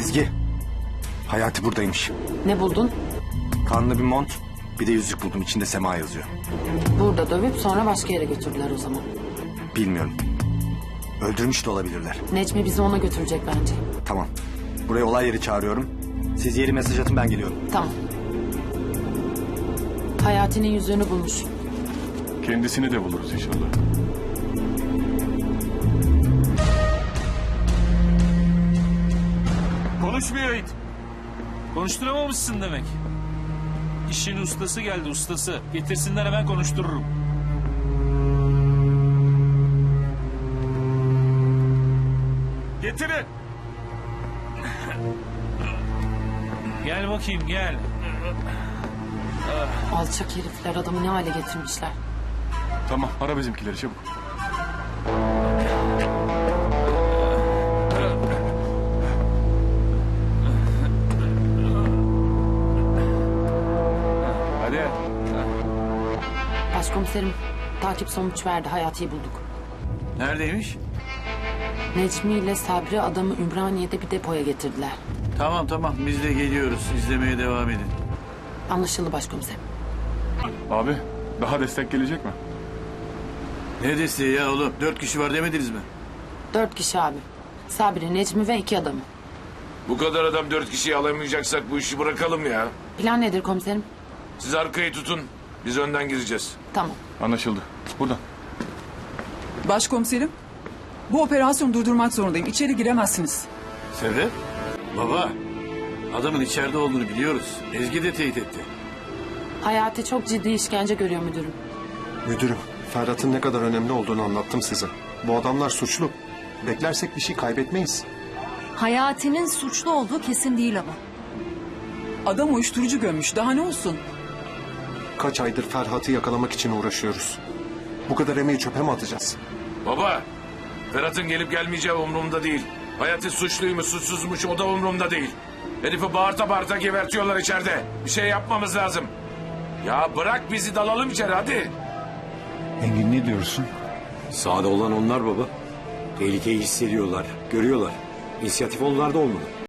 Ezgi. Hayati buradaymış. Ne buldun? Kanlı bir mont, bir de yüzük buldum. İçinde Sema yazıyor. Burada dövüp sonra başka yere götürdüler o zaman. Bilmiyorum. Öldürmüş de olabilirler. Necmi bizi ona götürecek bence. Tamam. Buraya olay yeri çağırıyorum. Siz yeri mesaj atın, ben geliyorum. Tamam. Hayati'nin yüzüğünü bulmuş. Kendisini de buluruz inşallah. Konuşmuyor it. Konuşturamamışsın demek. İşin ustası geldi, ustası. Getirsinler, hemen konuştururum. Getirin. Gel bakayım, gel. Alçak herifler adamı ne hale getirmişler. Tamam, ara bizimkileri çabuk. Hadi. Başkomiserim takip sonuç verdi. Hayati'yi bulduk. Neredeymiş? Necmi ile Sabri adamı Ümraniye'de bir depoya getirdiler. Tamam biz de geliyoruz. İzlemeye devam edin. Anlaşıldı başkomiserim. Abi, daha destek gelecek mi? Ne desteği ya oğlum? 4 kişi var demediniz mi? 4 kişi abi. Sabri, Necmi ve 2 adamı. Bu kadar adam 4 kişiyi alamayacaksak bu işi bırakalım ya. Plan nedir komiserim? Siz arkayı tutun. Biz önden gireceğiz. Tamam. Anlaşıldı. Buradan. Başkomiserim, bu operasyonu durdurmak zorundayım. İçeri giremezsiniz. Sebep? Baba, adamın içeride olduğunu biliyoruz. Ezgi de teyit etti. Hayati çok ciddi işkence görüyor müdürüm. Müdürüm, Ferhat'ın ne kadar önemli olduğunu anlattım size. Bu adamlar suçlu. Beklersek bir şey kaybetmeyiz. Hayati'nin suçlu olduğu kesin değil ama. Adam uyuşturucu gömmüş. Daha ne olsun? Kaç aydır Ferhat'ı yakalamak için uğraşıyoruz. Bu kadar emeği çöpe mi atacağız? Baba, Ferhat'ın gelip gelmeyeceği umurumda değil. Hayati suçluymuş, suçsuzmuş o da umurumda değil. Herifi bağırta bağırta gebertiyorlar içeride. Bir şey yapmamız lazım. Ya bırak bizi dalalım içeri hadi. Engin ne diyorsun? Sahada olan onlar baba. Tehlikeyi hissediyorlar, görüyorlar. İnisiyatif onlarda olmalı.